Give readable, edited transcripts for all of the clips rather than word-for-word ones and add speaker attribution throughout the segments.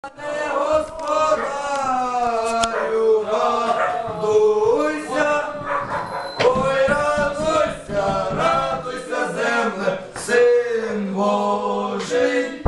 Speaker 1: Господарю, радуйся, ой, радуйся, радуйся, земле, Син Божий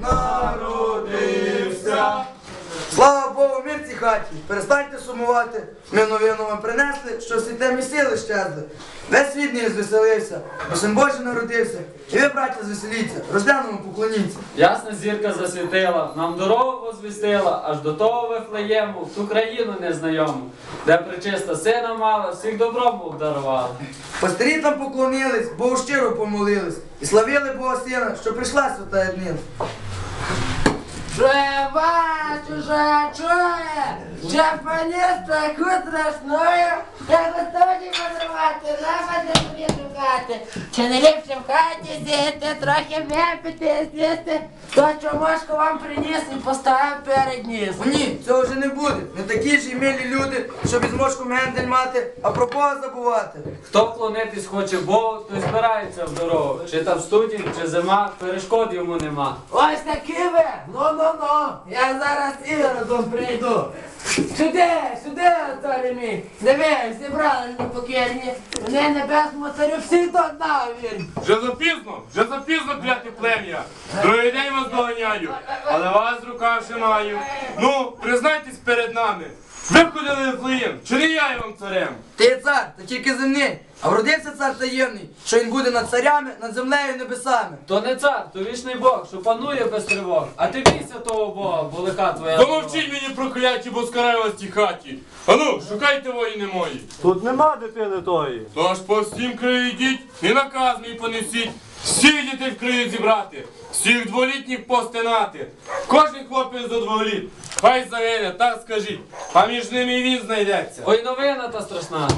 Speaker 1: народився. Слава Богу, мир цій хаті, перестаньте сумувати. Ми новину вам принесли, що світе місили щезли. Весь світ не звеселився, бо Син Божий народився. І ви, браття, звеселіться, розглянемо, поклоніться.
Speaker 2: Ясна зірка засвітила, нам дорогу возвістила, аж до того Вифлеєму, в ту країну незнайому, де пречиста сина мала, всіх добром обдарувала.
Speaker 1: Пастирі там поклонились, Богу щиро помолились, і славили Бога Сина, що прийшла свята днина.
Speaker 3: Що я бачу, що я чую, що поніс таку страшною, я готові подарувати, напади собі шукати. Чи не ліпше в хаті сісти, трохи випити, з'їсти, то чомошку вам приніс і поставив перед ніс.
Speaker 1: О ні, цього вже не буде. Не такі ж і милі люди, щоб із мошком гендель мати, а про Бога забувати.
Speaker 2: Хто вклонитись хоче Богу, той збирається в дорогу. Чи там студінь, чи зима, перешкод йому нема.
Speaker 3: Ось такі ви, ну, я зараз Іродом прийду. Сюди, царю мій, дивись, зібрали непокірні, вони небесному царю всі до одного вірні.
Speaker 4: Вже запізно, кляте плем'я. Другий день вас доганяю, але вас в руках ще маю. Ну, признайтесь перед нами. Ви ходили в Вифлеєм, чи не я є вам царем?
Speaker 1: Ти є цар, та тільки земний, а вродився цар таємний, що він буде над царями, над землею і небесами.
Speaker 2: То не цар, то вічний Бог, що панує без тривог. А ти бійся того Бога, бо лиха твоя.
Speaker 4: Помовчіть мені прокляті, бо скараю вас в тій хаті. Ану, шукайте воїни мої.
Speaker 5: Тут нема дитини тої.
Speaker 4: Тож по всім краю йдіть і наказ мій понесіть. Всіх дітей в краю зібрати, всіх дволітніх постинати. Кожен хлопець до 2 літ. Хай загине, так скажіть, а між ними і він знайдеться.
Speaker 2: Ой, новина та страшна.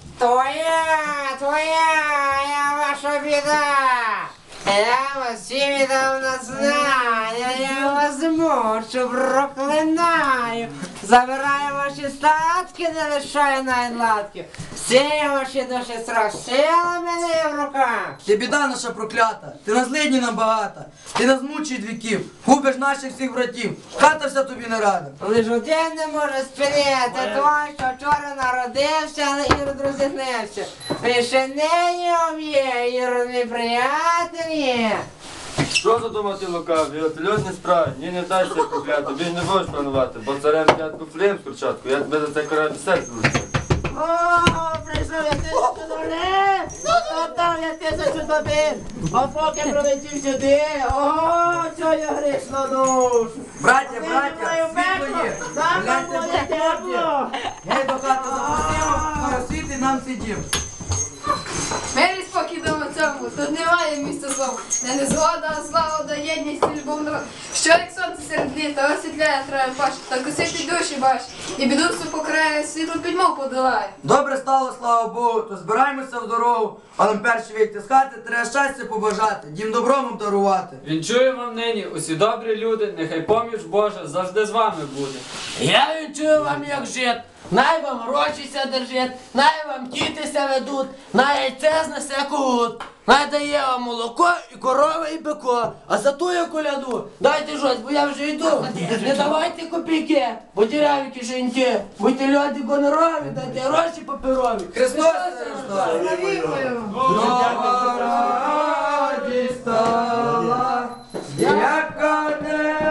Speaker 3: Твоя ваша біда. Я вас всі віддавно знаю, я вас мучу, проклинаю. Забираю ваші статки, не лишаю найладків. Всі ваші душі страшили мене в руках.
Speaker 1: Ти біда наша проклята, ти на злидні нам багата, ти нас мучить віків, губиш наших всіх братів, хата вся тобі не рада.
Speaker 3: Лиш один не може спинити той, що вчора народився, але Ірод розігнився. Він ще нині об'є, Ірод мій приятель є.
Speaker 5: Що задумати лукаві? От льотні справи, ні не вдасться прокляти, більш не будеш планувати, бо царем п'ятку флеєм спочатку, я тебе за це караю серце лише.
Speaker 3: О, прийшов я 1000 доларів! Отдав я 1000 тобі! А поки прилетів сюди, ого, що я грішну душу!
Speaker 1: Браття, світло є, гляньте, будь тепло. Гей, до хати запустимо, поросвіти нам сидів.
Speaker 6: Мирі спокій дома цьому, тут немає місця злому, де не згода, а злагода, єдність і любов народ. Що як сонце серед літа, освітляє траву паш, та косити душі баш, і біду всю покрає, світло пітьму подолає.
Speaker 1: Добре стало, слава Богу, то збираємося в дорогу, а нам перші вийти з хати, треба щастя побажати, дім добром обдарувати.
Speaker 2: Вінчую вам нині, усі добрі люди, нехай поміч Божа завжди з вами буде.
Speaker 3: Я відчую вам, як жит, най вам гроші ся держить, най вам діти ся ведуть, най яйце знесе кут. Най дає вам молоко і корова і бико, а за ту я коляду дайте щось, бо я вже йду. Не давайте копійки, бо діряві кишеньки, будьте люди гонорові, дайте гроші паперові.
Speaker 1: Христос рождає! Нова радість стала, яка не